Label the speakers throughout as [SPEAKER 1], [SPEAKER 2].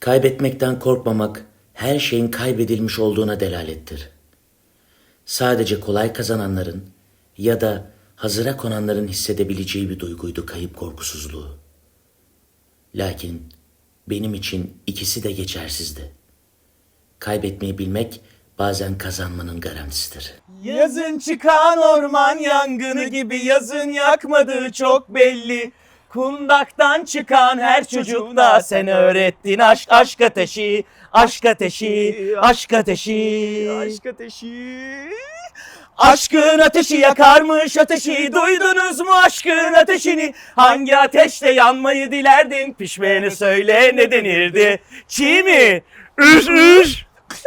[SPEAKER 1] Kaybetmekten korkmamak, her şeyin kaybedilmiş olduğuna delalettir. Sadece kolay kazananların ya da hazıra konanların hissedebileceği bir duyguydu kayıp korkusuzluğu. Lakin benim için ikisi de geçersizdi. Kaybetmeyi bilmek bazen kazanmanın garantisidir.
[SPEAKER 2] Yazın çıkan orman yangını gibi yazın yakmadığı çok belli. Kundaktan çıkan her çocukta sen öğrettin aşk ateşi, aşk ateşi, aşk ateşi, aşk ateşi. Aşkın ateşi yakarmış ateşi, duydunuz mu aşkın ateşini? Hangi ateşte yanmayı dilerdin? Pişmeyeni söyle ne denirdi? Çiğ mi? Üş üş.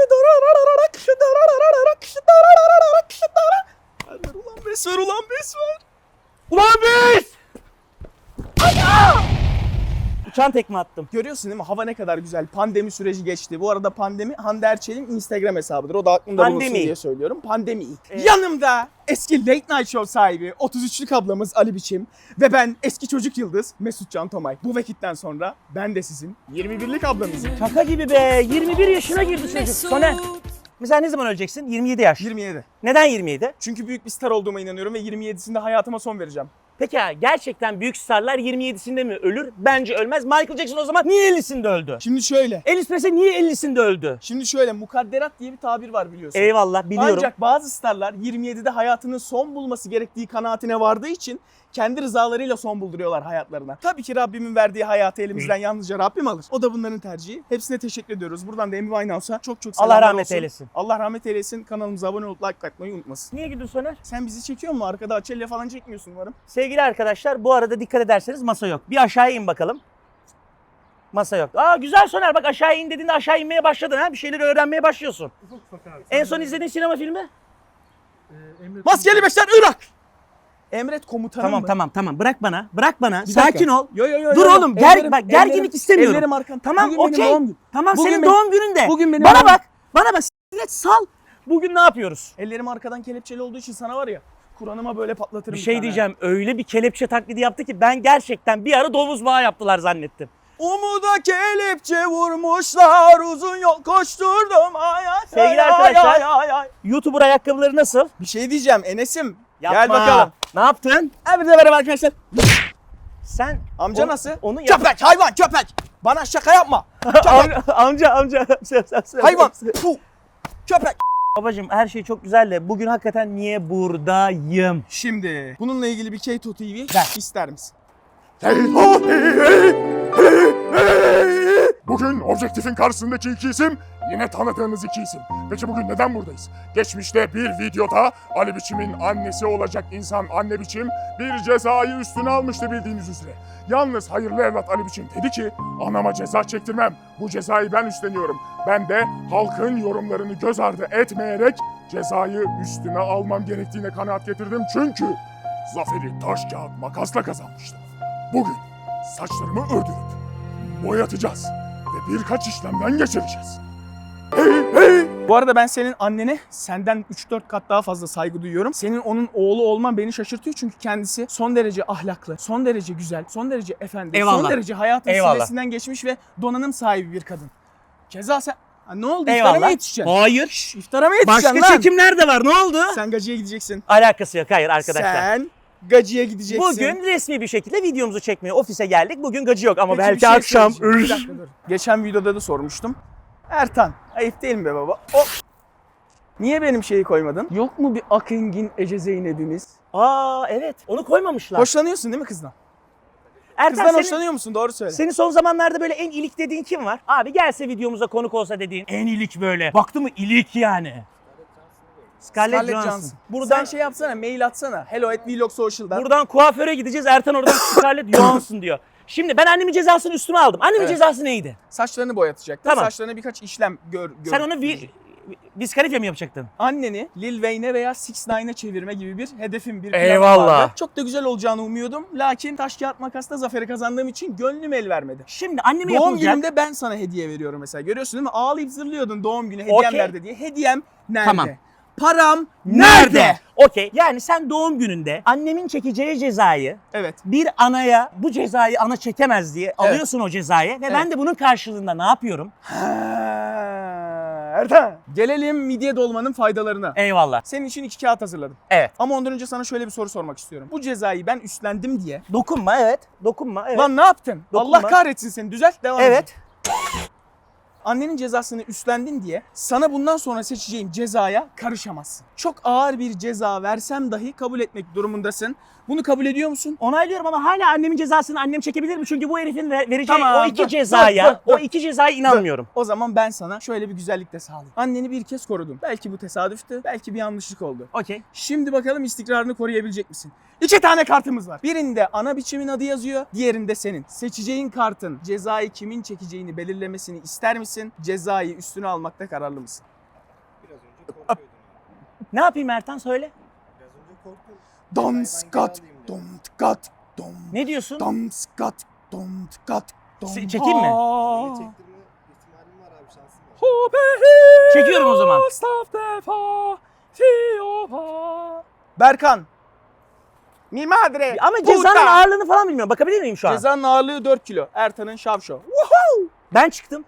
[SPEAKER 2] Ulan bes ver, ulan bes ver. Ulan bes! Uçan tekme attım.
[SPEAKER 3] Görüyorsun değil mi? Hava ne kadar güzel. Pandemi süreci geçti. Bu arada pandemi Hande Erçel'in Instagram hesabıdır. O da aklımda bulunsun diye söylüyorum. Pandemi. Yanımda eski Late Night Show sahibi 33'lük ablamız Ali Biçim ve ben eski çocuk yıldız Mesut Can Tomay. Bu vakitten sonra ben de sizin 21'lik ablanızım.
[SPEAKER 2] Şaka gibi be. 21 yaşına girdi çocuk. Soner. Mesela ne zaman öleceksin? 27 yaş.
[SPEAKER 3] 27.
[SPEAKER 2] Neden 27?
[SPEAKER 3] Çünkü büyük bir star olduğuma inanıyorum ve 27'sinde hayatıma son vereceğim.
[SPEAKER 2] Peki ya gerçekten büyük starlar 27'sinde mi ölür? Bence ölmez. Michael Jackson o zaman niye 50'sinde öldü?
[SPEAKER 3] Şimdi şöyle.
[SPEAKER 2] Elvis Presley niye 50'sinde öldü?
[SPEAKER 3] Mukadderat diye bir tabir var biliyorsun.
[SPEAKER 2] Eyvallah biliyorum.
[SPEAKER 3] Ancak bazı starlar 27'de hayatının son bulması gerektiği kanaatine vardığı için kendi rızalarıyla son bulduruyorlar hayatlarına. Tabii ki Rabbimin verdiği hayatı elimizden yalnızca Rabbim alır. O da bunların tercihi. Hepsine teşekkür ediyoruz. Buradan da Amy Winehouse'a çok selamlar
[SPEAKER 2] Allah rahmet
[SPEAKER 3] olsun.
[SPEAKER 2] eylesin.
[SPEAKER 3] Allah rahmet eylesin. Kanalımıza abone olup like atmayı unutmasın.
[SPEAKER 2] Niye gidiyorsun Soner?
[SPEAKER 3] Sen bizi çekiyor musun? Arkada Açelya falan çekmiyorsun umarım.
[SPEAKER 2] Sevgili arkadaşlar bu arada dikkat ederseniz masa yok. Bir aşağıya in bakalım. Masa yok. Aa güzel Soner, bak aşağı in dediğinde aşağı inmeye başladın ha. Bir şeyleri öğrenmeye başlıyorsun. En son izlediğin sinema filmi?
[SPEAKER 3] Maskeli Beşler Irak! Emret komutanım mı?
[SPEAKER 2] Tamam. Bırak bana.
[SPEAKER 3] Bir
[SPEAKER 2] Sakin
[SPEAKER 3] dakika.
[SPEAKER 2] ol.
[SPEAKER 3] Yo.
[SPEAKER 2] Dur oğlum. Gerginlik istemiyorum.
[SPEAKER 3] Ellerim arkan.
[SPEAKER 2] Tamam
[SPEAKER 3] Bugün benim
[SPEAKER 2] okey.
[SPEAKER 3] doğum günüm.
[SPEAKER 2] Tamam
[SPEAKER 3] Bugün
[SPEAKER 2] senin
[SPEAKER 3] benim-
[SPEAKER 2] doğum gününde.
[SPEAKER 3] Bugün benim
[SPEAKER 2] Bana
[SPEAKER 3] doğum-
[SPEAKER 2] bak. Siklet sal. Bugün ne yapıyoruz?
[SPEAKER 3] Ellerim arkadan kelepçeli olduğu için sana var ya Kur'an'ıma böyle patlatırım.
[SPEAKER 2] Bir şey diyeceğim. Öyle bir kelepçe taklidi yaptı ki ben gerçekten bir ara domuz bağı yaptılar zannettim.
[SPEAKER 3] Umuda kelepçe vurmuşlar, uzun yol koşturdum.
[SPEAKER 2] Sevgili arkadaşlar. YouTuber ayakkabıları nasıl?
[SPEAKER 3] Bir şey diyeceğim Enes'im.
[SPEAKER 2] Yapma.
[SPEAKER 3] Gel bakalım.
[SPEAKER 2] Ne yaptın?
[SPEAKER 3] Hepinize merhaba arkadaşlar.
[SPEAKER 2] Sen
[SPEAKER 3] Amca nasıl?
[SPEAKER 2] Onu yap.
[SPEAKER 3] Köpek, hayvan, köpek. Bana şaka yapma. Köpek,
[SPEAKER 2] amca.
[SPEAKER 3] hayvan. Puh. Köpek.
[SPEAKER 2] Babacım her şey çok güzel de bugün hakikaten niye buradayım?
[SPEAKER 3] Şimdi bununla ilgili bir Keto TV ister misin?
[SPEAKER 4] Bugün objektifin karşısındaki iki isim yine tanıdığınız iki isim. Peki bugün neden buradayız? Geçmişte bir videoda Ali Biçim'in annesi olacak insan Anne Biçim bir cezayı üstüne almıştı bildiğiniz üzere. Yalnız hayırlı evlat Ali Biçim dedi ki anama ceza çektirmem. Bu cezayı ben üstleniyorum. Ben de halkın yorumlarını göz ardı etmeyerek cezayı üstüme almam gerektiğine kanaat getirdim. Çünkü zaferi taş kağıt makasla kazanmıştım. Bugün saçlarımı ördürüp boyatacağız ve birkaç işlemden geçireceğiz.
[SPEAKER 3] Bu arada ben senin annene senden 3-4 kat daha fazla saygı duyuyorum. Senin onun oğlu olman beni şaşırtıyor çünkü kendisi son derece ahlaklı, son derece güzel, son derece efendi,
[SPEAKER 2] Eyvallah.
[SPEAKER 3] son derece hayatın
[SPEAKER 2] Eyvallah.
[SPEAKER 3] sillesinden geçmiş ve donanım sahibi bir kadın. Keza sen... Ha, ne oldu?
[SPEAKER 2] Eyvallah.
[SPEAKER 3] İftara mı yetişeceksin?
[SPEAKER 2] Hayır.
[SPEAKER 3] İftara mı yetişeceksin
[SPEAKER 2] Başka
[SPEAKER 3] lan?
[SPEAKER 2] çekimler de var. Ne oldu?
[SPEAKER 3] Sen gacıya gideceksin.
[SPEAKER 2] Alakası yok. Hayır arkadaşlar.
[SPEAKER 3] Sen gacıya gideceksin.
[SPEAKER 2] Bugün resmi bir şekilde videomuzu çekmeye ofise geldik. Bugün gacı yok ama
[SPEAKER 3] Peki,
[SPEAKER 2] belki
[SPEAKER 3] bir şey
[SPEAKER 2] akşam.
[SPEAKER 3] söyleyeceğim. Bir dakika dur. Geçen videoda da sormuştum. Ertan, ayıp değil mi be baba? Niye benim şeyi koymadın? Yok mu bir Akengin Ece Zeynep'imiz?
[SPEAKER 2] Aa evet. Onu koymamışlar.
[SPEAKER 3] Hoşlanıyorsun değil mi kızdan?
[SPEAKER 2] Ertan
[SPEAKER 3] Kızdan
[SPEAKER 2] senin,
[SPEAKER 3] hoşlanıyor musun? Doğru söyle.
[SPEAKER 2] senin son zamanlarda böyle en ilik dediğin kim var? Abi gelse videomuza konuk olsa dediğin en ilik böyle. Baktı mı ilik yani. Scarlett Johansson.
[SPEAKER 3] Buradan
[SPEAKER 2] Buradan
[SPEAKER 3] şey yapsana, mail atsana. hello@vlogsocial'dan.
[SPEAKER 2] buradan kuaföre gideceğiz. Ertan oradan Scarlett Johansson diyor. Şimdi ben annemin cezasını üstüme aldım. Annemin
[SPEAKER 3] Evet.
[SPEAKER 2] cezası neydi?
[SPEAKER 3] Saçlarını boyatacaktın.
[SPEAKER 2] Tamam.
[SPEAKER 3] Saçlarına birkaç işlem gör.
[SPEAKER 2] Sen onu diskalifiye mi yapacaktın?
[SPEAKER 3] Anneni Lil Wayne'e veya 6ix9ine çevirme gibi bir hedefim, bir planım
[SPEAKER 2] Eyvallah.
[SPEAKER 3] vardı. Çok da güzel olacağını umuyordum. Lakin taş kağıt makasla zaferi kazandığım için gönlüm el vermedi.
[SPEAKER 2] Şimdi anneme
[SPEAKER 3] Doğum
[SPEAKER 2] yapılacak.
[SPEAKER 3] günümde ben sana hediye veriyorum mesela. Görüyorsun değil mi? Ağlayıp zırlıyordun doğum günü hediyem
[SPEAKER 2] Okey.
[SPEAKER 3] nerede diye. Hediyem nerede?
[SPEAKER 2] Tamam.
[SPEAKER 3] Param nerede?
[SPEAKER 2] Okey. Yani sen doğum gününde annemin çekeceği cezayı
[SPEAKER 3] Evet.
[SPEAKER 2] bir anaya bu cezayı ana çekemez diye alıyorsun o cezayı ve ben de bunun karşılığında ne yapıyorum?
[SPEAKER 3] Ertan. Gelelim midye dolmanın faydalarına.
[SPEAKER 2] Eyvallah.
[SPEAKER 3] Senin için 2 kağıt hazırladım.
[SPEAKER 2] Evet.
[SPEAKER 3] Ama ondan önce sana şöyle bir soru sormak istiyorum. Bu cezayı ben üstlendim diye.
[SPEAKER 2] Dokunma evet. Dokunma evet.
[SPEAKER 3] Lan ne yaptın?
[SPEAKER 2] Dokunma.
[SPEAKER 3] Allah kahretsin seni. Düzelt devam et.
[SPEAKER 2] Evet.
[SPEAKER 3] Annenin cezasını üstlendin diye sana bundan sonra seçeceğim cezaya karışamazsın. Çok ağır bir ceza versem dahi kabul etmek durumundasın. Bunu kabul ediyor musun?
[SPEAKER 2] Onaylıyorum ama hala annemin cezasını annem çekebilir mi? Çünkü bu herifin vereceği
[SPEAKER 3] Tamam,
[SPEAKER 2] o iki
[SPEAKER 3] dur,
[SPEAKER 2] cezaya,
[SPEAKER 3] dur.
[SPEAKER 2] o iki cezaya inanmıyorum.
[SPEAKER 3] O zaman ben sana şöyle bir güzellik de sağlayayım. Anneni bir kez korudum. Belki bu tesadüftü, belki bir yanlışlık oldu.
[SPEAKER 2] Okey.
[SPEAKER 3] Şimdi bakalım istikrarını koruyabilecek misin? 2 tane kartımız var. Birinde ana biçimin adı yazıyor, diğerinde senin. Seçeceğin kartın cezayı kimin çekeceğini belirlemesini ister misin? Cezayı üstüne almakta kararlı mısın?
[SPEAKER 2] Ne yapayım Ertan söyle.
[SPEAKER 3] Dom skat, dom tıkat, dom.
[SPEAKER 2] Ne diyorsun?
[SPEAKER 3] Dom skat, dom tıkat, dom.
[SPEAKER 2] Çekeyim mi?
[SPEAKER 3] Aa.
[SPEAKER 5] Çektirme ihtimalim var abi, şansım var.
[SPEAKER 2] Çekiyorum o zaman.
[SPEAKER 3] Berkan. Mi madre.
[SPEAKER 2] Ama
[SPEAKER 3] puta.
[SPEAKER 2] cezanın ağırlığını falan bilmiyorum. Bakabilir miyim şu an?
[SPEAKER 3] Cezanın ağırlığı 4 kilo. Ertan'ın şavşo.
[SPEAKER 2] Ben çıktım.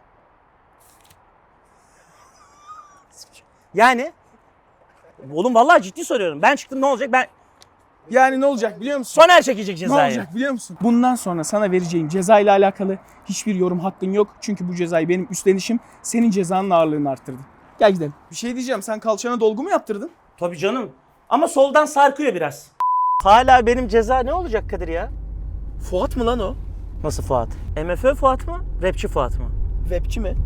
[SPEAKER 2] Yani oğlum vallahi ciddi soruyorum. Ben çıktım ne olacak?
[SPEAKER 3] Yani ne olacak biliyor musun?
[SPEAKER 2] Soner çekecek
[SPEAKER 3] Ne
[SPEAKER 2] cezayı.
[SPEAKER 3] olacak biliyor musun? Bundan sonra sana vereceğim ceza ile alakalı hiçbir yorum hakkın yok. Çünkü bu cezayı benim üstlenişim senin cezanın ağırlığını arttırdı. Gel gidelim. Bir şey diyeceğim. Sen kalçana dolgu mu yaptırdın?
[SPEAKER 2] Tabii canım. Ama soldan sarkıyor biraz. Hala benim ceza ne olacak Kadir ya?
[SPEAKER 3] Fuat mı lan o?
[SPEAKER 2] Nasıl Fuat? MFÖ Fuat mı? Rapçi Fuat mı?
[SPEAKER 3] Webçi mi?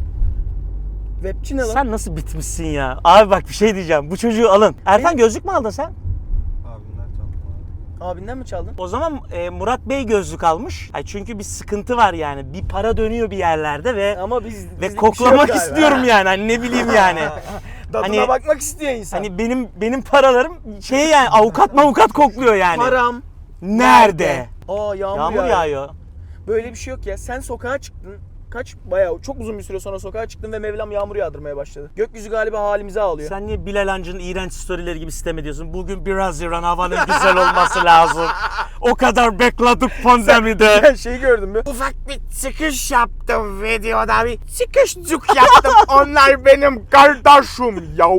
[SPEAKER 3] Webçi ne lan?
[SPEAKER 2] Sen nasıl bitmişsin ya? Abi bak bir şey diyeceğim. Bu çocuğu alın. Ertan gözlük mü aldın sen?
[SPEAKER 5] Abimden çaldım abi.
[SPEAKER 3] Abinden mi çaldın?
[SPEAKER 2] O zaman Murat Bey gözlük almış. Ay çünkü bir sıkıntı var yani. Bir para dönüyor bir yerlerde ve
[SPEAKER 3] Ama biz
[SPEAKER 2] ve koklamak istiyorum yani. Hani ne bileyim yani.
[SPEAKER 3] Tadına
[SPEAKER 2] Hani-
[SPEAKER 3] bakmak istiyor insan.
[SPEAKER 2] Hani benim paralarım şey yani avukat kokluyor yani.
[SPEAKER 3] param
[SPEAKER 2] Nerede?
[SPEAKER 3] Aa yağmur,
[SPEAKER 2] Yağmur yağıyor.
[SPEAKER 3] Böyle bir şey yok ya. Sen sokağa çıktın. Bayağı çok uzun bir süre sonra sokağa çıktın ve Mevlam yağmur yağdırmaya başladı. Gökyüzü galiba halimize ağlıyor.
[SPEAKER 2] Sen niye Bilal Hancı'nın iğrenç storyleri gibi sistem ediyorsun? Bugün biraz İran havanın güzel olması lazım. O kadar bekledik pandemide.
[SPEAKER 3] Ben şeyi gördüm mü?
[SPEAKER 6] Ufak bir çıkış yaptım videoda, bir çıkışcuk yaptım. Onlar benim kardeşim yav.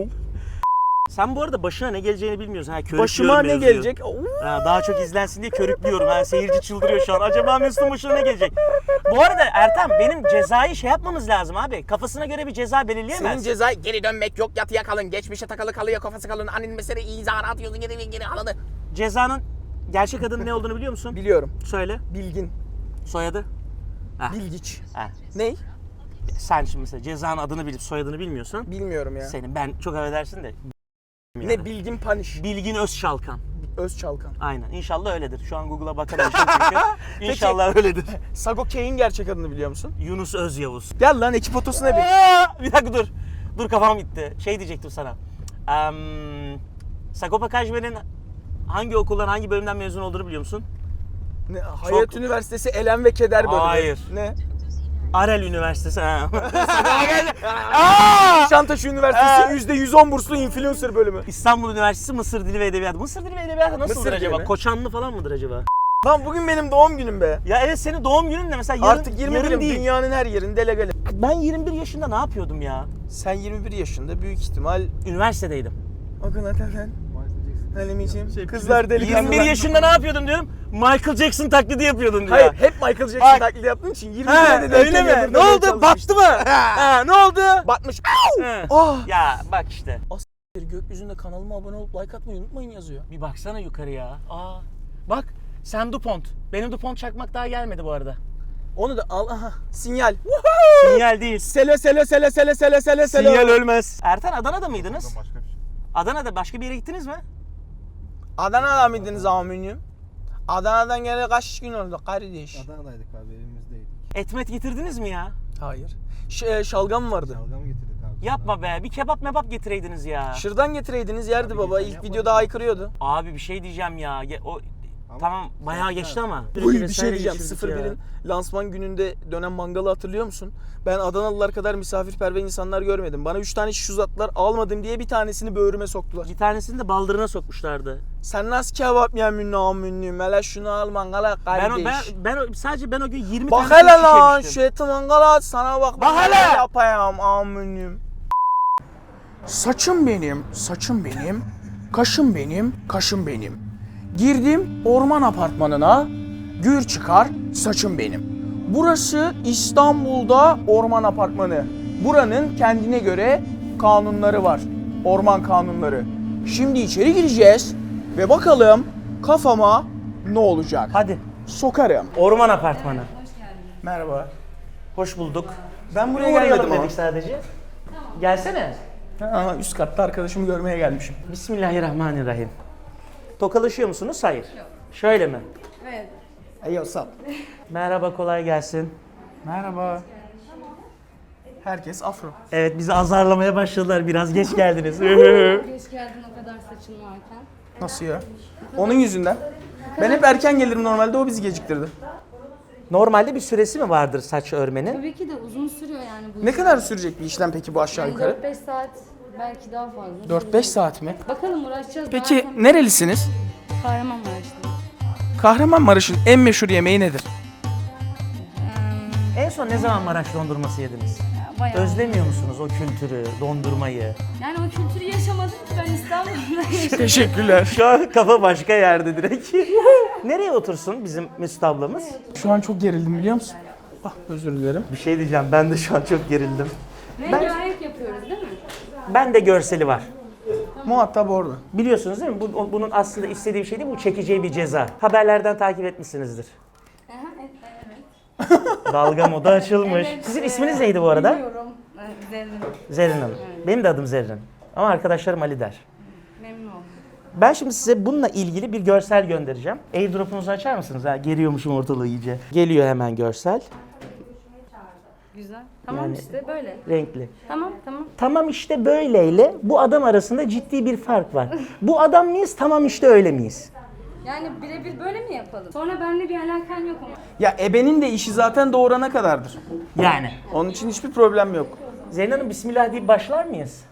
[SPEAKER 2] Sen bu arada başına ne geleceğini bilmiyorsun. Ha,
[SPEAKER 3] Başıma
[SPEAKER 2] körüklüyorum
[SPEAKER 3] ne
[SPEAKER 2] mevzuyu.
[SPEAKER 3] gelecek?
[SPEAKER 2] Ha, daha çok izlensin diye körüklüyorum. Ha, seyirci çıldırıyor şu an. Acaba Mesut'un başına ne gelecek? Bu arada Ertan benim cezayı şey yapmamız lazım abi. Kafasına göre bir ceza belirleyemez.
[SPEAKER 6] Senin ceza geri dönmek yok, yatıya kalın, geçmişe takılı kalıyor, kafası kalın, annen mesele izahını atıyorsun, geri alını.
[SPEAKER 2] Cezanın gerçek adının ne olduğunu biliyor musun?
[SPEAKER 3] Biliyorum.
[SPEAKER 2] Söyle.
[SPEAKER 3] Bilgin.
[SPEAKER 2] Soyadı? Ha.
[SPEAKER 3] Bilgiç.
[SPEAKER 2] Ha.
[SPEAKER 3] Ney?
[SPEAKER 2] Sen şimdi mesela cezanın adını bilip soyadını bilmiyorsun.
[SPEAKER 3] Bilmiyorum ya.
[SPEAKER 2] Senin ben çok affedersin de.
[SPEAKER 3] Ne Bilgin Paniş.
[SPEAKER 2] Bilgin Özçalkan.
[SPEAKER 3] Özçalkan.
[SPEAKER 2] Aynen. İnşallah öyledir. Şu an Google'a bakamayacağım çünkü. İnşallah öyledir.
[SPEAKER 3] Sago K'in gerçek adını biliyor musun?
[SPEAKER 2] Yunus Özyavuz.
[SPEAKER 3] Gel lan ekip otosuna bin.
[SPEAKER 2] Bir dakika dur. Dur kafam gitti. Şey diyecektim sana. Sagopa Kajmer'in hangi okuldan, hangi bölümden mezun olduğunu biliyor musun?
[SPEAKER 3] Ne, Hayat Üniversitesi Elem ve Keder bölümü.
[SPEAKER 2] Hayır.
[SPEAKER 3] Ne?
[SPEAKER 2] Arel Üniversitesi. Ha.
[SPEAKER 3] Nişantaşı Üniversitesi %110 burslu influencer bölümü.
[SPEAKER 2] İstanbul Üniversitesi Mısır Dili ve Edebiyatı. Mısır Dili ve Edebiyatı nasıldır
[SPEAKER 3] Mısır
[SPEAKER 2] acaba?
[SPEAKER 3] dili mi?
[SPEAKER 2] Koçanlı falan mıdır acaba?
[SPEAKER 3] Lan bugün benim doğum günüm be.
[SPEAKER 2] Ya evet senin doğum günün de mesela yarın,
[SPEAKER 3] Artık
[SPEAKER 2] yarın
[SPEAKER 3] 21'im.
[SPEAKER 2] değil.
[SPEAKER 3] Dünyanın her yerinde legalim.
[SPEAKER 2] Ben 21 yaşında ne yapıyordum ya?
[SPEAKER 3] Sen 21 yaşında büyük ihtimal
[SPEAKER 2] Üniversitedeydim.
[SPEAKER 3] Akın Atafen. Halim için. Kızlar delikanlılar.
[SPEAKER 2] 21 yaşında ne yapıyordum diyorum? Michael Jackson taklidi yapıyordum diyor.
[SPEAKER 3] Hayır hep Michael Jackson
[SPEAKER 2] Bak.
[SPEAKER 3] taklidi yaptığın için 21'e
[SPEAKER 2] Ha,
[SPEAKER 3] de denk
[SPEAKER 2] öyle mi?
[SPEAKER 3] geliyordun,
[SPEAKER 2] Ne
[SPEAKER 3] demeye
[SPEAKER 2] oldu?
[SPEAKER 3] çalışmıştım.
[SPEAKER 2] Battı mı? Ha, ne oldu?
[SPEAKER 3] Batmış.
[SPEAKER 2] He.
[SPEAKER 3] Oh.
[SPEAKER 2] Ya bak işte.
[SPEAKER 3] Gökyüzünde kanalıma abone olup like atmayı unutmayın yazıyor.
[SPEAKER 2] Bir baksana yukarıya. Aa. Bak sen DuPont. Benim DuPont çakmak daha gelmedi bu arada.
[SPEAKER 3] Onu da al aha. Sinyal.
[SPEAKER 2] Sinyal değil.
[SPEAKER 3] Sele.
[SPEAKER 2] Sinyal ölmez. Ertan Adana'da mıydınız?
[SPEAKER 5] Başka bir şey.
[SPEAKER 2] Adana'da başka bir yere gittiniz mi?
[SPEAKER 3] Adana'da mıydınız aminim? Adana'dan geri kaç gün oldu kardeş?
[SPEAKER 5] Adana'daydık abi, evimizdeydik.
[SPEAKER 2] Etmet getirdiniz mi ya?
[SPEAKER 3] Hayır. Şalgam vardı.
[SPEAKER 5] Şalgam getirdik abi.
[SPEAKER 2] Yapma be. Bir kebap mebap getireydiniz ya.
[SPEAKER 3] Şırdan getireydiniz yerdi
[SPEAKER 5] Abi
[SPEAKER 3] baba.
[SPEAKER 5] geçen
[SPEAKER 3] İlk
[SPEAKER 5] yapmadık
[SPEAKER 3] videoda
[SPEAKER 5] mı?
[SPEAKER 3] haykırıyordu.
[SPEAKER 2] Abi bir şey diyeceğim ya. O Tamam bayağı geçti ama.
[SPEAKER 3] Uy, bir şey diyeceğim. 01'in lansman gününde dönen mangalı hatırlıyor musun? Ben Adanalılar kadar misafirperver insanlar görmedim. Bana 3 tane şiş uzattılar, almadım diye bir tanesini böğrüme soktular.
[SPEAKER 2] Bir tanesini de baldırına sokmuşlardı.
[SPEAKER 3] Sen nasıl kebap yemin namünlü? Hele şunu al mangala kardeş.
[SPEAKER 2] Sadece ben o gün 20
[SPEAKER 3] Bak
[SPEAKER 2] tane
[SPEAKER 3] hele
[SPEAKER 2] şiş
[SPEAKER 3] lan
[SPEAKER 2] yemiştim.
[SPEAKER 3] şu eti mangala at sana bak.
[SPEAKER 2] Bak hele!
[SPEAKER 3] Yapayım amünüm. Saçım benim, saçım benim. Kaşım benim, kaşım benim. Girdim orman apartmanına. Gür çıkar, saçım benim. Burası İstanbul'da orman apartmanı. Buranın kendine göre kanunları var. Orman kanunları. Şimdi içeri gireceğiz ve bakalım kafama ne olacak?
[SPEAKER 2] Hadi.
[SPEAKER 3] Sokarım.
[SPEAKER 2] Orman apartmanı.
[SPEAKER 3] Merhaba.
[SPEAKER 2] Hoş bulduk.
[SPEAKER 3] Ben buraya
[SPEAKER 2] Uğrayalım
[SPEAKER 3] gelmedim ama.
[SPEAKER 2] dedik sadece. Gelsene.
[SPEAKER 3] Ha, üst katta arkadaşımı görmeye gelmişim.
[SPEAKER 2] Bismillahirrahmanirrahim. Tokalaşıyor musunuz? Hayır. Şöyle mi?
[SPEAKER 3] Hey what's up?
[SPEAKER 2] Merhaba, kolay gelsin.
[SPEAKER 3] Merhaba. Herkes afro.
[SPEAKER 2] Evet, bizi azarlamaya başladılar. Biraz geç geldiniz.
[SPEAKER 7] Geç geldin o kadar saçın varken.
[SPEAKER 3] Nasıl ya? Onun yüzünden. Ben hep erken gelirim normalde, o bizi geciktirdi.
[SPEAKER 2] Normalde bir süresi mi vardır saç örmenin?
[SPEAKER 7] Tabii ki de uzun sürüyor yani bu.
[SPEAKER 3] Ne kadar sürecek bir işlem peki bu aşağı yukarı?
[SPEAKER 7] 4-5 saat belki daha fazla.
[SPEAKER 3] 4-5 saat mi?
[SPEAKER 7] Bakalım uğraşacağız.
[SPEAKER 3] Peki nerelisiniz?
[SPEAKER 7] Kahramanmaraş'ta.
[SPEAKER 3] Kahramanmaraş'ın en meşhur yemeği nedir?
[SPEAKER 2] En son ne zaman Maraş dondurması yediniz?
[SPEAKER 7] Bayağı.
[SPEAKER 2] Özlemiyor musunuz o kültürü, dondurmayı?
[SPEAKER 7] Yani o kültürü yaşamadım ki ben İstanbul'da yaşadım.
[SPEAKER 3] Teşekkürler.
[SPEAKER 2] Şu an kafa başka yerde direkt. Nereye otursun bizim Mesut ablamız?
[SPEAKER 3] Şu an çok gerildim biliyor musun? Ah, özür dilerim.
[SPEAKER 2] Bir şey diyeceğim, ben de şu an çok gerildim.
[SPEAKER 7] Rengarenk yapıyoruz değil mi?
[SPEAKER 2] Ben de görseli var.
[SPEAKER 3] Muhatap orada.
[SPEAKER 2] Biliyorsunuz değil mi? Bunun aslında istediği bir şey değil, bu çekeceği bir ceza. Haberlerden takip etmişsinizdir.
[SPEAKER 7] Evet.
[SPEAKER 2] Dalga moda açılmış.
[SPEAKER 7] Evet,
[SPEAKER 2] Sizin isminiz neydi bu arada?
[SPEAKER 7] Bilmiyorum. Zerrin.
[SPEAKER 2] Zerrin Hanım. Benim de adım Zerrin. Ama arkadaşlarım Ali der.
[SPEAKER 7] Memnun oldum.
[SPEAKER 2] Ben şimdi size bununla ilgili bir görsel göndereceğim. Airdrop'unuzu açar mısınız? Ha, geriyormuşum ortalığı iyice. Geliyor hemen görsel.
[SPEAKER 7] Güzel. Tamam
[SPEAKER 2] Yani-
[SPEAKER 7] işte böyle.
[SPEAKER 2] Renkli.
[SPEAKER 7] Tamam.
[SPEAKER 2] Tamam işte böyleyle bu adam arasında ciddi bir fark var. Bu adam mıyız? Tamam işte öyle miyiz?
[SPEAKER 7] Yani birebir böyle mi yapalım? Sonra benimle bir alakan yok ama.
[SPEAKER 3] Ya ebenin de işi zaten doğurana kadardır.
[SPEAKER 2] Yani.
[SPEAKER 3] Onun için hiçbir problem yok.
[SPEAKER 2] Zeynep Hanım bismillah deyip başlar mıyız?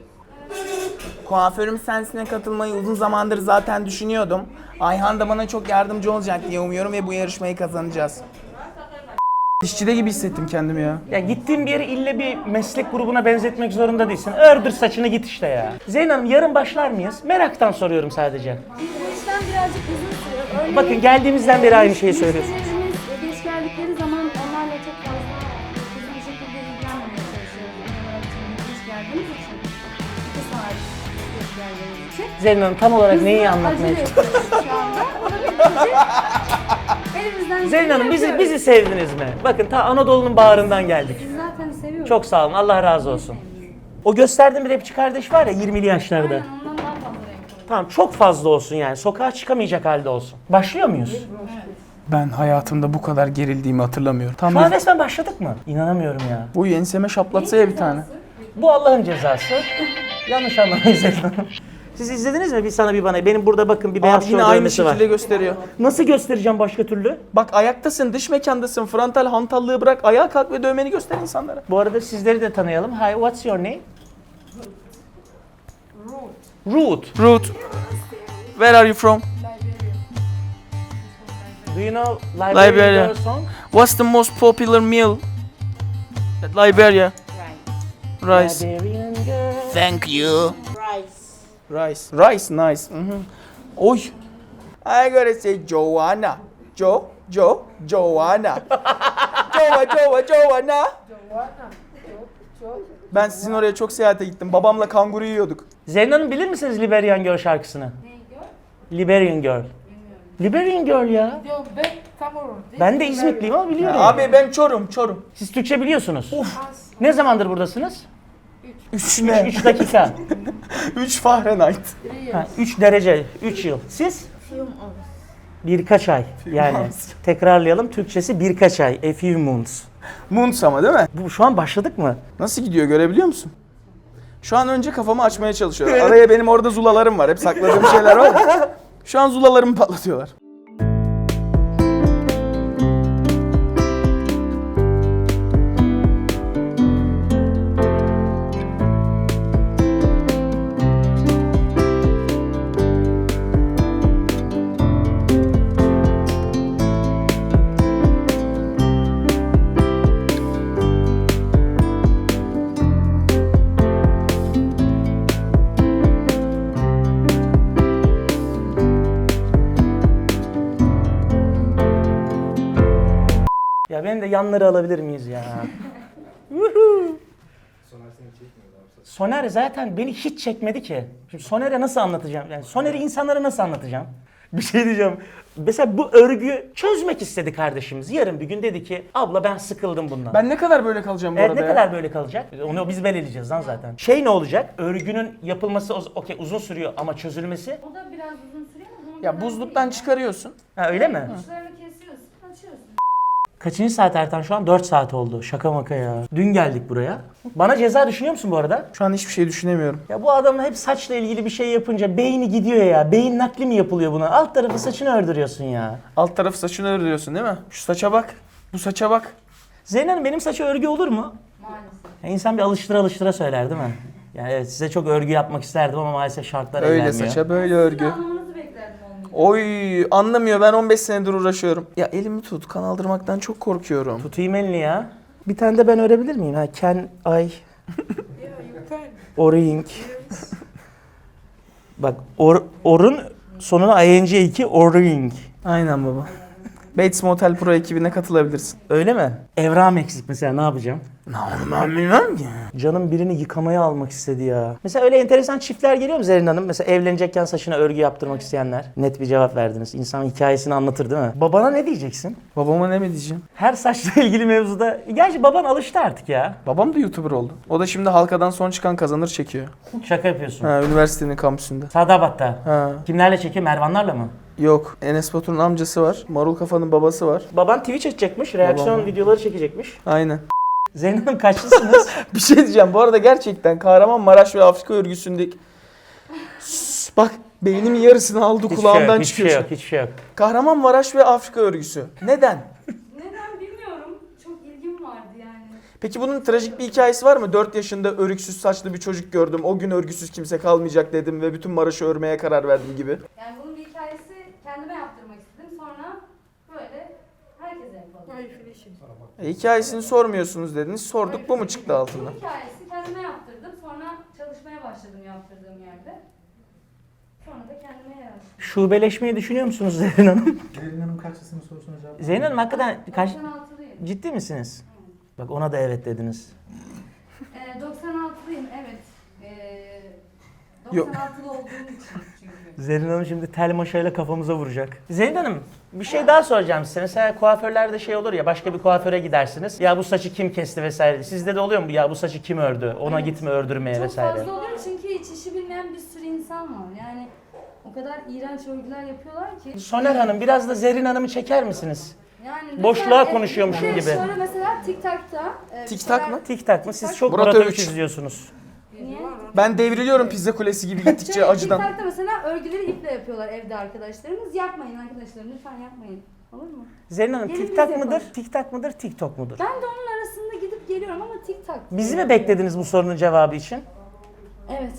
[SPEAKER 3] Kuaförüm Sensin'e katılmayı uzun zamandır zaten düşünüyordum. Ayhan da bana çok yardımcı olacak diye umuyorum ve bu yarışmayı kazanacağız. Dişçide gibi hissettim kendimi ya.
[SPEAKER 2] Ya gittiğin bir yeri ille bir meslek grubuna benzetmek zorunda değilsin. Ördür saçını git işte ya. Zeynep Hanım yarın başlar mıyız? Meraktan soruyorum sadece.
[SPEAKER 7] Bu işlem birazcık uzun sürüyor. Örneğin,
[SPEAKER 2] Bakın geldiğimizden beri aynı şeyi söylüyorsunuz.
[SPEAKER 7] müşterilerimiz geç geldikleri zaman onlarla çok fazla hızlı bir şekilde ilgilenmemeye çalışıyoruz. Genel olarak şimdi geç geldiğimiz için. 2 saat geç geldiğimiz için.
[SPEAKER 2] Zeynep Hanım tam olarak neyi anlatmaya
[SPEAKER 7] Acele
[SPEAKER 2] çalışıyorsunuz?
[SPEAKER 7] yapıyoruz şu anda. Olabildiğince elimizden
[SPEAKER 2] Zeynep Hanım
[SPEAKER 7] yapıyoruz.
[SPEAKER 2] bizi sevdiniz mi? Bakın ta Anadolu'nun bağrından geldik.
[SPEAKER 7] Biz zaten seviyoruz.
[SPEAKER 2] Çok sağ olun. Allah razı olsun. O gösterdiğim bir rapçi kardeş var ya 20'li yaşlarda.
[SPEAKER 7] Aynen, ondan daha fazla renk oluyor.
[SPEAKER 2] Tamam çok fazla olsun yani. Sokağa çıkamayacak halde olsun. Başlıyor muyuz?
[SPEAKER 3] Ben hayatımda bu kadar gerildiğimi hatırlamıyorum. Tam
[SPEAKER 2] Şu an resmen başladık mı? İnanamıyorum ya.
[SPEAKER 3] bu enseme şaplatsa ya bir tane.
[SPEAKER 2] Bu Allah'ın cezası. Yanlış anlamayın Zeynep Hanım. Siz izlediniz mi? Bir sana bir bana. Benim burada bakın bir beyaz
[SPEAKER 3] Abi yine
[SPEAKER 2] şov
[SPEAKER 3] aynı
[SPEAKER 2] dövmesi var.
[SPEAKER 3] şekilde gösteriyor.
[SPEAKER 2] Nasıl göstereceğim başka türlü?
[SPEAKER 3] Bak ayaktasın, dış mekandasın, frontal hantallığı bırak, ayağa kalk ve dövmeni göster insanlara.
[SPEAKER 2] Bu arada sizleri de tanıyalım. Hi, what's your name? Ruth.
[SPEAKER 3] Ruth, where are you from?
[SPEAKER 2] Do you know
[SPEAKER 3] Liberia.
[SPEAKER 2] Liberia Girl song?
[SPEAKER 3] What's the most popular meal at Liberia? Rice.
[SPEAKER 2] Liberian girl.
[SPEAKER 3] Thank you. Rice. Rice, nice. Oy. I gotta say Joanna. Joanna. Joanna. Ben sizin oraya çok seyahate gittim. Babamla kanguru yiyorduk.
[SPEAKER 2] Zeynep Hanım bilir misiniz Liberian Girl şarkısını? Liberian Girl. Liberian Girl ya.
[SPEAKER 8] Yok ben Kamerun.
[SPEAKER 2] Ben de İzmitliyim ama biliyorum.
[SPEAKER 3] Abi ben Çorum.
[SPEAKER 2] Siz Türkçe biliyorsunuz. Ne zamandır buradasınız?
[SPEAKER 3] 3 ne?
[SPEAKER 2] 3 dakika.
[SPEAKER 3] 3 Fahrenheit.
[SPEAKER 2] 3 derece, 3 yıl. Siz? Birkaç ay. Yani
[SPEAKER 3] months.
[SPEAKER 2] tekrarlayalım. Türkçesi birkaç ay. A few months.
[SPEAKER 3] Muns ama değil mi?
[SPEAKER 2] Bu şu an başladık mı?
[SPEAKER 3] Nasıl gidiyor görebiliyor musun? Şu an önce kafamı açmaya çalışıyorlar. Araya benim orada zulalarım var. Hep sakladığım şeyler var. Şu an zulalarımı patlatıyorlar.
[SPEAKER 2] Ya benim de yanları alabilir miyiz ya? Soner zaten beni hiç çekmedi ki. Şimdi Soner'e nasıl anlatacağım? Yani Soner'i insanlara nasıl anlatacağım? Bir şey diyeceğim. Mesela bu örgü çözmek istedi kardeşimiz. Yarın bir gün dedi ki abla ben sıkıldım bundan.
[SPEAKER 3] Ben ne kadar böyle kalacağım bu
[SPEAKER 2] Evet,
[SPEAKER 3] arada
[SPEAKER 2] ne
[SPEAKER 3] ya?
[SPEAKER 2] kadar böyle kalacak? Onu biz belirleyeceğiz lan zaten. Şey ne olacak? Örgünün yapılması okey uzun sürüyor ama çözülmesi.
[SPEAKER 7] O da biraz uzun sürüyor ama bunun
[SPEAKER 3] Ya
[SPEAKER 7] kadar
[SPEAKER 3] buzluktan
[SPEAKER 7] değil.
[SPEAKER 3] çıkarıyorsun.
[SPEAKER 2] Ha öyle mi?
[SPEAKER 7] Uçlarını kesiyorsun, açıyorsun.
[SPEAKER 2] Kaçıncı saat Ertan şu an? 4 saat oldu. Şaka maka ya. Dün geldik buraya. Bana ceza düşünüyor musun bu arada?
[SPEAKER 3] Şu an hiçbir şey düşünemiyorum.
[SPEAKER 2] Ya bu adam hep saçla ilgili bir şey yapınca beyni gidiyor ya. Beyin nakli mi yapılıyor buna? Alt tarafı saçını ördürüyorsun ya.
[SPEAKER 3] Alt tarafı saçını örüyorsun değil mi? Şu saça bak. Bu saça bak.
[SPEAKER 2] Zeynep Hanım benim saçı örgü olur mu?
[SPEAKER 7] Maalesef.
[SPEAKER 2] Ya insan bir alıştıra söyler değil mi? Yani evet size çok örgü yapmak isterdim ama maalesef şartlar el
[SPEAKER 3] Öyle
[SPEAKER 2] vermiyor.
[SPEAKER 3] saça böyle
[SPEAKER 7] Sizin
[SPEAKER 3] örgü.
[SPEAKER 7] anlamanızı beklerdim olmayı.
[SPEAKER 3] Oy anlamıyor, ben 15 senedir uğraşıyorum. Ya elimi tut, kan aldırmaktan çok korkuyorum.
[SPEAKER 2] Tutayım elini ya. Bir tane de ben örebilir miyim? Ha, can I oring. Bak orun sonuna ing oring.
[SPEAKER 3] Aynen baba. Bates Motel Pro ekibine katılabilirsin.
[SPEAKER 2] Öyle mi? Evram eksik mesela ne yapacağım?
[SPEAKER 3] Ben bilmem ki.
[SPEAKER 2] Canım birini yıkamaya almak istedi ya. Mesela öyle enteresan çiftler geliyor mu Zerrin Hanım? Mesela evlenecekken saçına örgü yaptırmak isteyenler. Net bir cevap verdiniz. İnsan hikayesini anlatır değil mi? Babana ne diyeceksin?
[SPEAKER 3] Babama ne mi diyeceğim?
[SPEAKER 2] Her saçla ilgili mevzuda. Gerçi baban alıştı artık ya.
[SPEAKER 3] Babam da YouTuber oldu. O da şimdi halkadan son çıkan kazanır çekiyor.
[SPEAKER 2] Şaka yapıyorsun.
[SPEAKER 3] Ha, üniversitenin kampüsünde.
[SPEAKER 2] Sadabat'ta.
[SPEAKER 3] Ha.
[SPEAKER 2] Kimlerle çekiyor? Mervanlarla mı?
[SPEAKER 3] Yok. Enes Batur'un amcası var. Marul Kafa'nın babası var.
[SPEAKER 2] Baban Twitch açacakmış, reaksiyon
[SPEAKER 3] Babam.
[SPEAKER 2] videoları çekecekmiş.
[SPEAKER 3] Aynen.
[SPEAKER 2] Zeynep Hanım kaçlısınız?
[SPEAKER 3] Bir şey diyeceğim. Bu arada gerçekten Kahramanmaraş ve Afrika örgüsündeki... Bak beynimin yarısını aldı, kulağımdan
[SPEAKER 2] hiçbir
[SPEAKER 3] çıkıyor.
[SPEAKER 2] şey yok, hiçbir şey yok.
[SPEAKER 3] Kahramanmaraş ve Afrika örgüsü. Neden?
[SPEAKER 7] Neden bilmiyorum. Çok ilgim vardı yani.
[SPEAKER 3] Peki bunun trajik bir hikayesi var mı? 4 yaşında örgüsüz saçlı bir çocuk gördüm. O gün örgüsüz kimse kalmayacak dedim ve bütün Maraş'ı örmeye karar verdim gibi.
[SPEAKER 7] Yani bunun bir hikayesi kendime yaptırmak istedim. Sonra böyle herkese yapalım.
[SPEAKER 3] Hikayesini sormuyorsunuz dediniz. Sorduk, bu mu çıktı altından?
[SPEAKER 7] Bu hikayesi kendime yaptırdım. Sonra çalışmaya başladım yaptırdığım yerde. Sonra da kendime yarattım.
[SPEAKER 2] Şubeleşmeyi düşünüyor musunuz Zerrin Hanım?
[SPEAKER 5] Zerrin Hanım kaçlısının sorusuna cevap
[SPEAKER 2] Zeynep Hanım hakikaten kaç...
[SPEAKER 7] 96'lıyım.
[SPEAKER 2] Ciddi misiniz? Bak ona da evet dediniz.
[SPEAKER 7] 96'lıyım evet.
[SPEAKER 3] Yok.
[SPEAKER 7] 96'lı olduğum için çünkü.
[SPEAKER 2] Zerrin Hanım şimdi tel maşayla kafamıza vuracak. Zeynep Hanım bir şey daha soracağım size. Mesela kuaförlerde şey olur ya başka bir kuaföre gidersiniz. Ya bu saçı kim kesti vesaire. Sizde de oluyor mu? Ya bu saçı kim ördü? Ona gitme ördürmeye
[SPEAKER 7] Çok
[SPEAKER 2] vesaire.
[SPEAKER 7] fazla oluyor çünkü hiç işi bilmeyen bir sürü insan var. Yani o kadar iğrenç örgüler yapıyorlar ki.
[SPEAKER 2] Soner Hanım biraz da Zerrin Hanım'ı çeker misiniz?
[SPEAKER 7] Yani
[SPEAKER 2] Boşluğa
[SPEAKER 7] lütfen,
[SPEAKER 2] konuşuyormuşum
[SPEAKER 7] bir de
[SPEAKER 2] gibi.
[SPEAKER 7] Şöyle mesela TikTok'ta.
[SPEAKER 3] TikTok mı?
[SPEAKER 2] Tik tak mı? Siz çok
[SPEAKER 3] Murat
[SPEAKER 2] Murat
[SPEAKER 3] Övüş.
[SPEAKER 2] Övüş izliyorsunuz.
[SPEAKER 7] Niye?
[SPEAKER 3] Ben devriliyorum pizza kulesi gibi gittikçe
[SPEAKER 7] Şöyle
[SPEAKER 3] acıdan.
[SPEAKER 7] TikTok'ta mesela örgüleri iple yapıyorlar evde arkadaşlarımız. Yapmayın arkadaşlarım lütfen yapmayın. Olur mu?
[SPEAKER 2] Zerrin Hanım
[SPEAKER 7] Gelin
[SPEAKER 2] tik
[SPEAKER 7] biz
[SPEAKER 2] tak
[SPEAKER 7] yapalım.
[SPEAKER 2] mıdır? Tik tak mıdır? TikTok mudur?
[SPEAKER 7] Ben de onun arasında gidip geliyorum ama TikTok.
[SPEAKER 2] Bizi mi beklediniz bu sorunun cevabı için?
[SPEAKER 7] Evet.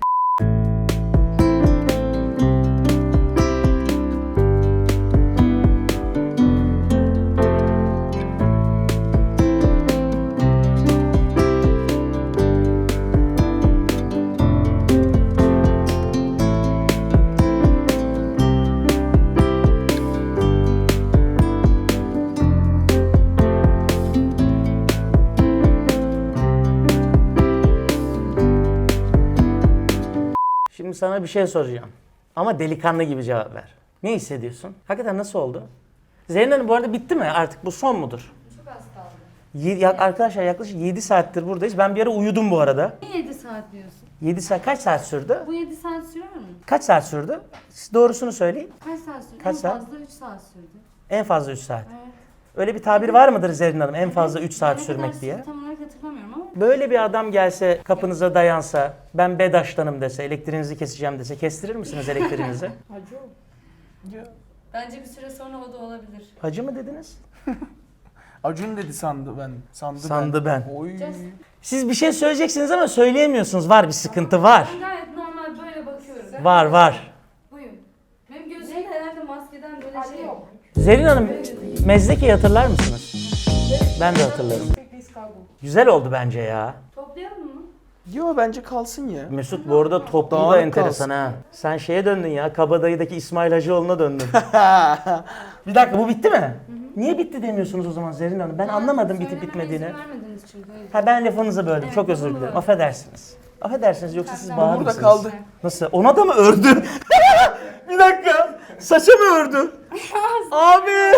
[SPEAKER 2] Şimdi sana bir şey soracağım. Ama delikanlı gibi cevap ver. Ne hissediyorsun? Hakikaten nasıl oldu? Zerrin Hanım bu arada bitti mi? Artık bu son mudur?
[SPEAKER 7] Çok az kaldı.
[SPEAKER 2] Arkadaşlar yaklaşık 7 saattir buradayız. Ben bir ara uyudum bu arada.
[SPEAKER 7] Niye 7 saat diyorsun?
[SPEAKER 2] 7 saat kaç saat sürdü?
[SPEAKER 7] Bu 7 saat sürer mi?
[SPEAKER 2] Kaç saat sürdü? Siz doğrusunu söyleyin.
[SPEAKER 7] Kaç saat sürdü?
[SPEAKER 2] Kaç
[SPEAKER 7] en
[SPEAKER 2] saat?
[SPEAKER 7] fazla 3 saat sürdü.
[SPEAKER 2] En fazla 3 saat.
[SPEAKER 7] Evet.
[SPEAKER 2] Öyle bir tabir var mıdır Zerrin Hanım? En fazla 3 saat
[SPEAKER 7] Ne
[SPEAKER 2] sürmek
[SPEAKER 7] kadar
[SPEAKER 2] diye.
[SPEAKER 7] sürdü Tam olarak hatırlamıyorum ama.
[SPEAKER 2] Böyle bir adam gelse kapınıza dayansa, ben Bedaş'tanım dese, elektriğinizi keseceğim dese kestirir misiniz elektriğinizi?
[SPEAKER 7] Acı. Bence bir süre sonra o da olabilir.
[SPEAKER 2] Hacı mı dediniz?
[SPEAKER 3] Acun dedi sandı ben.
[SPEAKER 2] Sandı ben.
[SPEAKER 3] Oy.
[SPEAKER 2] Siz bir şey söyleyeceksiniz ama söyleyemiyorsunuz. Var bir sıkıntı var.
[SPEAKER 7] Ben gayet normal böyle bakıyorum.
[SPEAKER 2] Var.
[SPEAKER 7] Buyum. Benim gözümde herhalde maskeden böyle şey yok.
[SPEAKER 2] Zerrin Hanım, Mezdeki'yi hatırlar mısınız? Ben de hatırlarım. Güzel oldu bence ya.
[SPEAKER 7] Toplayalım mı?
[SPEAKER 3] Yo bence kalsın ya.
[SPEAKER 2] Mesut bu arada toplu da
[SPEAKER 3] Dağınık
[SPEAKER 2] enteresan
[SPEAKER 3] kalsın.
[SPEAKER 2] ha. Sen şeye döndün ya, Kabadayı'daki İsmail Hacıoğlu'na döndün. Bir dakika bu bitti mi? Niye bitti demiyorsunuz o zaman Zerrin Hanım? Ben anlamadım bitip
[SPEAKER 7] Söylememe
[SPEAKER 2] bitmediğini.
[SPEAKER 7] izin vermediniz çünkü. o yüzden.
[SPEAKER 2] Ha ben lafınızı böldüm.
[SPEAKER 7] Evet,
[SPEAKER 2] Çok özür
[SPEAKER 7] lafımı
[SPEAKER 2] dilerim.
[SPEAKER 7] böldüm.
[SPEAKER 2] Affedersiniz. Affedersiniz yoksa siz
[SPEAKER 7] Ben
[SPEAKER 2] bağır
[SPEAKER 3] burada
[SPEAKER 2] mısınız?
[SPEAKER 3] kaldı.
[SPEAKER 2] Nasıl? Ona da mı ördü? Bir dakika. Saça mı ördü? Abi.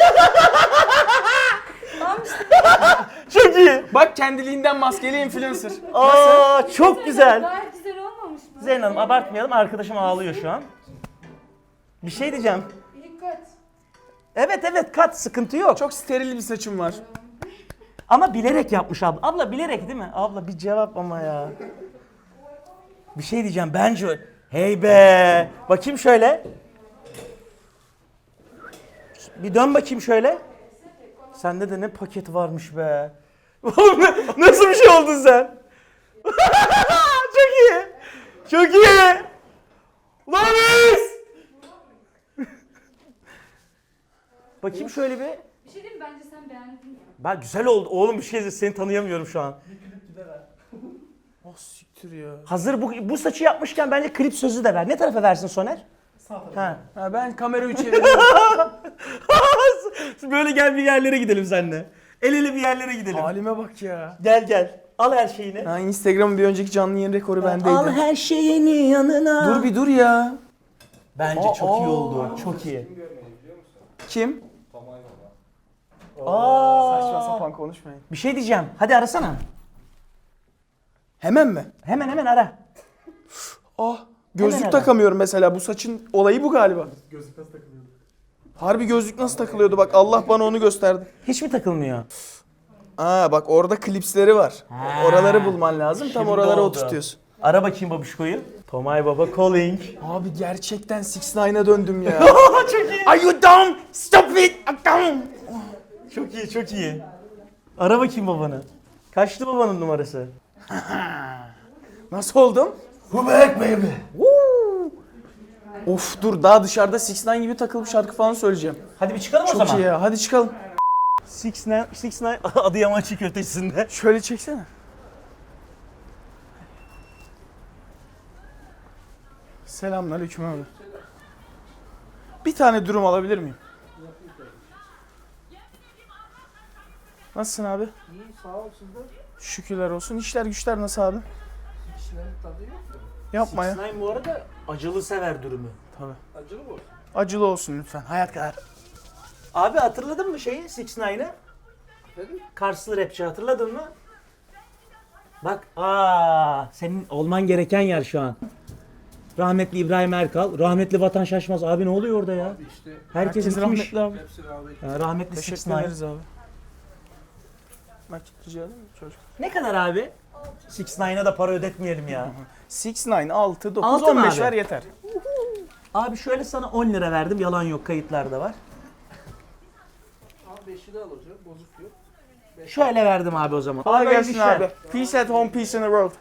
[SPEAKER 7] Tamam işte.
[SPEAKER 2] Çok iyi.
[SPEAKER 3] Bak kendiliğinden maskeli influencer.
[SPEAKER 2] Aa çok güzel.
[SPEAKER 7] Gayet güzel olmamış mı?
[SPEAKER 2] Zerrin Hanım abartmayalım. Arkadaşım ağlıyor şu an. Bir şey diyeceğim.
[SPEAKER 7] Dikkat.
[SPEAKER 2] Evet kat sıkıntı yok.
[SPEAKER 3] Çok steril bir saçım var.
[SPEAKER 2] Ama bilerek yapmış abla. Abla bilerek değil mi? Abla bir cevap ama ya. Bir şey diyeceğim bence öyle. Hey be. Bakayım şöyle. Bir dön bakayım şöyle. Sende de ne paket varmış be. Oğlum nasıl bir şey oldun sen? Çok iyi. Çok iyi. Lan biz. Bakayım şöyle bir.
[SPEAKER 7] Bir şey diyeyim mi? Bence sen beğendin ya.
[SPEAKER 2] Bak güzel oldu. Oğlum bir şey de seni tanıyamıyorum şu an.
[SPEAKER 3] Oh siktir ya.
[SPEAKER 2] Hazır bu saçı yapmışken bence klip sözü de ver. Ne tarafa versin Soner?
[SPEAKER 5] Sağ tarafa.
[SPEAKER 2] Ha.
[SPEAKER 3] Ha, ben kamerayı çeviriyorum.
[SPEAKER 2] Böyle gel bir yerlere gidelim seninle. El ele bir yerlere gidelim.
[SPEAKER 3] Halime bak ya.
[SPEAKER 2] Gel. Al her şeyini.
[SPEAKER 3] Ha, Instagram'ın bir önceki canlı yayın rekoru bendeydi.
[SPEAKER 2] Al her şeyini yanına.
[SPEAKER 3] Dur bir dur ya.
[SPEAKER 2] Bence çok iyi oldu. Çok iyi.
[SPEAKER 3] Kim?
[SPEAKER 2] Aa.
[SPEAKER 3] Saçma sapan konuşmayın.
[SPEAKER 2] Bir şey diyeceğim. Hadi arasana.
[SPEAKER 3] Hemen mi?
[SPEAKER 2] Hemen ara.
[SPEAKER 3] Ah. Gözlük
[SPEAKER 2] Hemen
[SPEAKER 3] takamıyorum mesela. Bu saçın olayı bu galiba.
[SPEAKER 5] Gözlük nasıl takılıyordu?
[SPEAKER 3] Harbi gözlük nasıl takılıyordu bak Allah bana onu gösterdi.
[SPEAKER 2] Hiç mi takılmıyor?
[SPEAKER 3] Aa bak orada klipsleri var.
[SPEAKER 2] Ha.
[SPEAKER 3] Oraları bulman lazım. Tam
[SPEAKER 2] Şimdi
[SPEAKER 3] oralara
[SPEAKER 2] oldu.
[SPEAKER 3] oturtuyorsun.
[SPEAKER 2] Ara bakayım babuşkoyu. Tomay Baba calling.
[SPEAKER 3] Abi gerçekten 6ix9ine döndüm ya.
[SPEAKER 2] Çok iyi.
[SPEAKER 3] Are you dumb? Stop it! I'm dumb!
[SPEAKER 2] Çok iyi. Ara bakayım babanı. Kaçtı babanın numarası?
[SPEAKER 3] Nasıl oldum?
[SPEAKER 2] Who back baby?
[SPEAKER 3] Of dur daha dışarıda 6ix9ine gibi takılıp şarkı falan söyleyeceğim.
[SPEAKER 2] Hadi bir çıkalım o
[SPEAKER 3] Çok
[SPEAKER 2] zaman.
[SPEAKER 3] iyi ya hadi çıkalım.
[SPEAKER 2] 6ix9ine Adıyaman çiğ köftesinde.
[SPEAKER 3] Şöyle çeksene. Selamünaleyküm abi. Bir tane dürüm alabilir miyim? Nasılsın abi?
[SPEAKER 5] İyi sağ ol siz de.
[SPEAKER 3] Şükürler olsun. İşler güçler nasıl abi?
[SPEAKER 5] İşlerin tadı yok mu?
[SPEAKER 3] Yapma ya.
[SPEAKER 2] 6ix9ine bu arada acılı sever dürümü.
[SPEAKER 5] Acılı mı olsun?
[SPEAKER 3] Acılı olsun lütfen. Hayat kadar.
[SPEAKER 2] Abi hatırladın mı şeyi 6ix9ine?
[SPEAKER 5] Dedim.
[SPEAKER 2] Karslı rapçi hatırladın mı? Bak senin olman gereken yer şu an. Rahmetli İbrahim Erkal, rahmetli Vatan Şaşmaz. Abi ne oluyor orada ya?
[SPEAKER 5] İşte
[SPEAKER 2] Herkes
[SPEAKER 3] Herkes
[SPEAKER 2] gitmiş.
[SPEAKER 3] rahmetli abi.
[SPEAKER 5] hepsi rahmet.
[SPEAKER 2] Rahmetli
[SPEAKER 3] Teşekkür
[SPEAKER 2] 6ix9ine.
[SPEAKER 3] ederiz abi. Nakit rica edeyim mi çocuk?
[SPEAKER 2] Ne kadar abi? 6ix9ine'a da para ödetmeyelim ya.
[SPEAKER 3] 6ix9ine 6, 9,
[SPEAKER 2] Altı mı
[SPEAKER 3] 15
[SPEAKER 2] abi?
[SPEAKER 3] ver yeter.
[SPEAKER 2] Abi şöyle sana 10 lira verdim. Yalan yok, kayıtlarda var.
[SPEAKER 5] Al 5'i de alacağım. Bozuk yok.
[SPEAKER 2] Şöyle verdim abi o zaman.
[SPEAKER 3] Kolay
[SPEAKER 2] Hayırlı
[SPEAKER 3] gelsin
[SPEAKER 2] işler.
[SPEAKER 3] abi. Peace at home, peace in the world.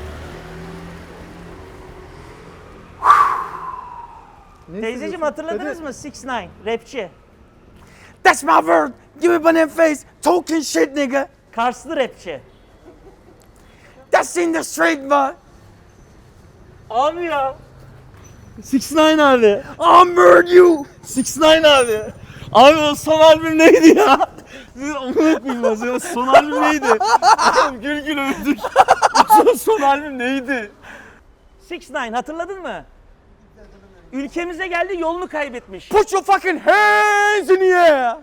[SPEAKER 2] Teyzeciğim hatırladınız mı 6ix9ine rapçi?
[SPEAKER 3] That's my word. Give me banana face. Talking shit nigga.
[SPEAKER 2] Karslı rapçi.
[SPEAKER 3] That's in the street boy.
[SPEAKER 2] Abi ya. 6ix9ine abi.
[SPEAKER 3] I murder you.
[SPEAKER 2] 6ix9ine abi. Abi o son albüm neydi ya? Onu koyayım son albüm neydi? Oğlum gül öldük. Son albüm neydi? 6ix9ine hatırladın mı? Ülkemize geldi yolunu kaybetmiş.
[SPEAKER 3] Put your fucking hands in the air.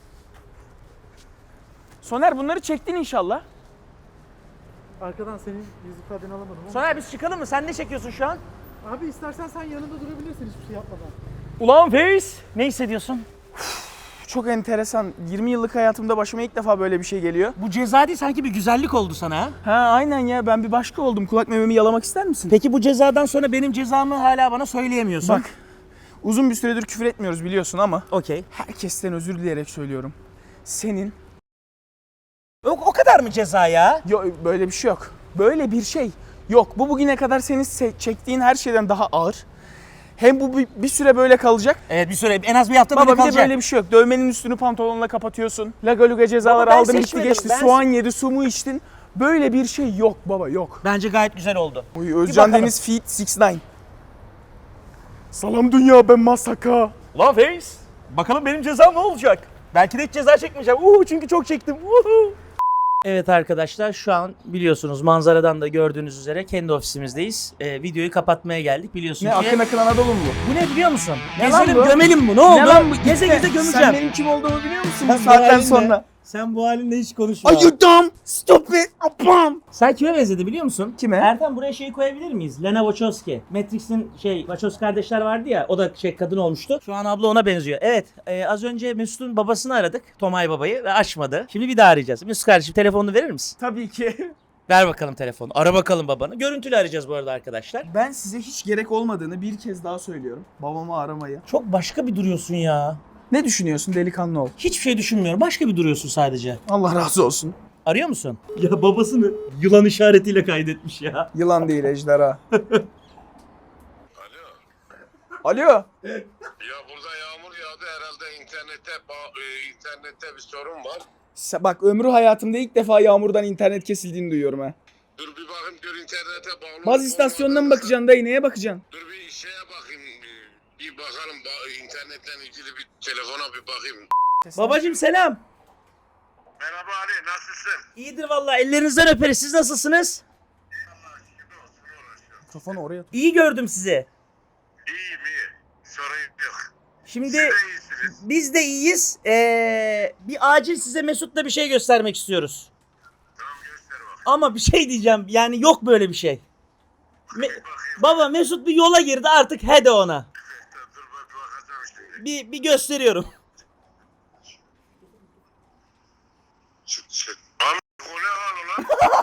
[SPEAKER 3] Soner bunları çektin inşallah.
[SPEAKER 5] Arkadan senin yüz ifadeni alamadım ama.
[SPEAKER 2] Soner biz çıkalım mı? Sen ne çekiyorsun şu an?
[SPEAKER 5] Abi istersen sen yanında durabilirsin hiçbir şey yapmadan.
[SPEAKER 2] Ulan Face. Ne hissediyorsun?
[SPEAKER 3] Çok enteresan. 20 yıllık hayatımda başıma ilk defa böyle bir şey geliyor.
[SPEAKER 2] Bu ceza değil sanki bir güzellik oldu sana ha?
[SPEAKER 3] Ha aynen ya ben bir başka oldum. Kulak mememi yalamak ister misin?
[SPEAKER 2] Peki bu cezadan sonra benim cezamı hala bana söyleyemiyorsun.
[SPEAKER 3] Bak uzun bir süredir küfür etmiyoruz biliyorsun ama
[SPEAKER 2] Okey.
[SPEAKER 3] herkesten özür dileyerek söylüyorum. Senin
[SPEAKER 2] O kadar mı ceza ya?
[SPEAKER 3] böyle bir şey yok. Böyle bir şey yok. Bu bugüne kadar senin çektiğin her şeyden daha ağır. Hem bu bir süre böyle kalacak.
[SPEAKER 2] Evet bir süre en az bir hafta
[SPEAKER 3] Baba
[SPEAKER 2] böyle
[SPEAKER 3] bir de
[SPEAKER 2] kalacak.
[SPEAKER 3] böyle bir şey yok. Dövmenin üstünü pantolonla kapatıyorsun. Laga luga cezalar
[SPEAKER 2] Baba ben
[SPEAKER 3] aldın bitti
[SPEAKER 2] seçmedim.
[SPEAKER 3] geçti.
[SPEAKER 2] Ben-
[SPEAKER 3] Soğan yedi, su mu içtin. Böyle bir şey yok baba yok.
[SPEAKER 2] Bence gayet güzel oldu.
[SPEAKER 3] Oy, Özcan
[SPEAKER 2] bakalım.
[SPEAKER 3] Deniz feat 6ix9ine. Salam dünya ben Masaka.
[SPEAKER 2] Ulan Face. Bakalım benim cezam ne olacak? Belki de hiç ceza çekmeyeceğim. Çünkü çok çektim. Evet arkadaşlar, şu an biliyorsunuz manzaradan da gördüğünüz üzere kendi ofisimizdeyiz. Videoyu kapatmaya geldik biliyorsunuz
[SPEAKER 3] Ne
[SPEAKER 2] ki.
[SPEAKER 3] akın akın Anadolu mu bu?
[SPEAKER 2] Bu ne biliyor musun?
[SPEAKER 3] Ne lan
[SPEAKER 2] Gezelim
[SPEAKER 3] bu?
[SPEAKER 2] gömelim bu. Ne oldu?
[SPEAKER 3] Ne lan bu?
[SPEAKER 2] Geze geze
[SPEAKER 3] Sen
[SPEAKER 2] gömeceğim.
[SPEAKER 3] benim kim olduğumu biliyor musun
[SPEAKER 2] Sen
[SPEAKER 3] bu
[SPEAKER 2] bu
[SPEAKER 3] saatten
[SPEAKER 2] halinle-
[SPEAKER 3] sonra?
[SPEAKER 2] Sen bu halinle hiç konuşma.
[SPEAKER 3] Are you dumb? Stop it! Apam!
[SPEAKER 2] Sen kime benzedi biliyor musun?
[SPEAKER 3] Kime?
[SPEAKER 2] Ertan, buraya şeyi koyabilir miyiz? Lena Wachowski. Matrix'in Wachowski kardeşler vardı ya, o da kadın olmuştu. Şu an abla ona benziyor. Evet, az önce Mesut'un babasını aradık. Tomay babayı ve açmadı. Şimdi bir daha arayacağız. Mesut kardeşim, telefonunu verir misin?
[SPEAKER 3] Tabii ki.
[SPEAKER 2] Ver bakalım telefonu. Ara bakalım babanı. Görüntülü arayacağız bu arada arkadaşlar.
[SPEAKER 3] Ben size hiç gerek olmadığını bir kez daha söylüyorum. Babamı aramayı.
[SPEAKER 2] Çok başka bir duruyorsun ya.
[SPEAKER 3] Ne düşünüyorsun delikanlı ol?
[SPEAKER 2] Hiçbir şey düşünmüyorum. Başka bir duruyorsun sadece.
[SPEAKER 3] Allah razı olsun.
[SPEAKER 2] Arıyor musun? Ya babasını yılan işaretiyle kaydetmiş ya.
[SPEAKER 3] Yılan değil ejderha. Alo.
[SPEAKER 8] Ya burada yağmur yağdı herhalde internette bir sorun var.
[SPEAKER 3] Bak ömrü hayatımda ilk defa yağmurdan internet kesildiğini duyuyorum ha.
[SPEAKER 8] Dur bir bakayım dur internete bağlı.
[SPEAKER 3] Baz istasyonuna mı bakacaksın dayı, neye bakacaksın?
[SPEAKER 8] Dur bir şeye bakayım. Bir bakalım internetten ilgili bir telefona bir bakayım.
[SPEAKER 2] Babacım selam.
[SPEAKER 8] Merhaba Ali nasılsın?
[SPEAKER 2] İyidir vallahi, ellerinizden öperiz. Siz nasılsınız?
[SPEAKER 3] Mikrofonu oraya.
[SPEAKER 2] İyi gördüm sizi.
[SPEAKER 8] İyiyim iyi. Sorun yok.
[SPEAKER 2] Şimdi
[SPEAKER 8] Siz de iyisiniz.
[SPEAKER 2] biz de iyiyiz. Bir acil size Mesut'la bir şey göstermek istiyoruz.
[SPEAKER 8] Tamam göster bak.
[SPEAKER 2] Ama bir şey diyeceğim. Yani yok böyle bir şey. Baba, Mesut bir yola girdi, artık he de ona.
[SPEAKER 8] Dur bak bakacağım şimdi.
[SPEAKER 2] Bir gösteriyorum.
[SPEAKER 8] Çık. Am o ne hal ulan?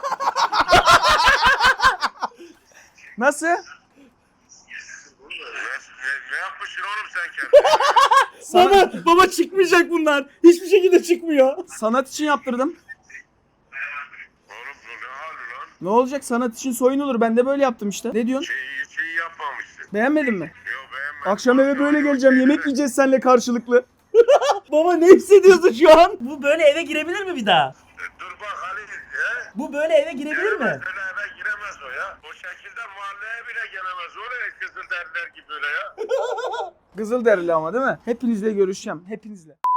[SPEAKER 3] Nasıl?
[SPEAKER 8] Ne yapmışsın oğlum sen kendine?
[SPEAKER 2] Baba çıkmayacak bunlar. Hiçbir şekilde çıkmıyor.
[SPEAKER 3] Sanat için yaptırdım.
[SPEAKER 8] Oğlum bu ne hal ulan?
[SPEAKER 3] Ne olacak, sanat için soyunulur. Ben de böyle yaptım işte. Ne diyorsun?
[SPEAKER 8] Hiç iyi yapmamışsın.
[SPEAKER 3] Beğenmedin mi?
[SPEAKER 8] Yok beğenmedim.
[SPEAKER 3] Akşam eve böyle geleceğim. Yemek yiyeceğiz seninle karşılıklı.
[SPEAKER 2] Baba ne hissediyorsun şu an? Bu böyle eve girebilir mi bir daha?
[SPEAKER 8] Dur bak Ali. He?
[SPEAKER 2] Bu böyle eve girebilir mi?
[SPEAKER 8] Öyle eve giremez o ya. O şekilde mahalleye bile gelemez. Oraya kızıl derler gibi böyle ya.
[SPEAKER 3] Kızılderili ama değil mi? Hepinizle görüşeceğim. Hepinizle.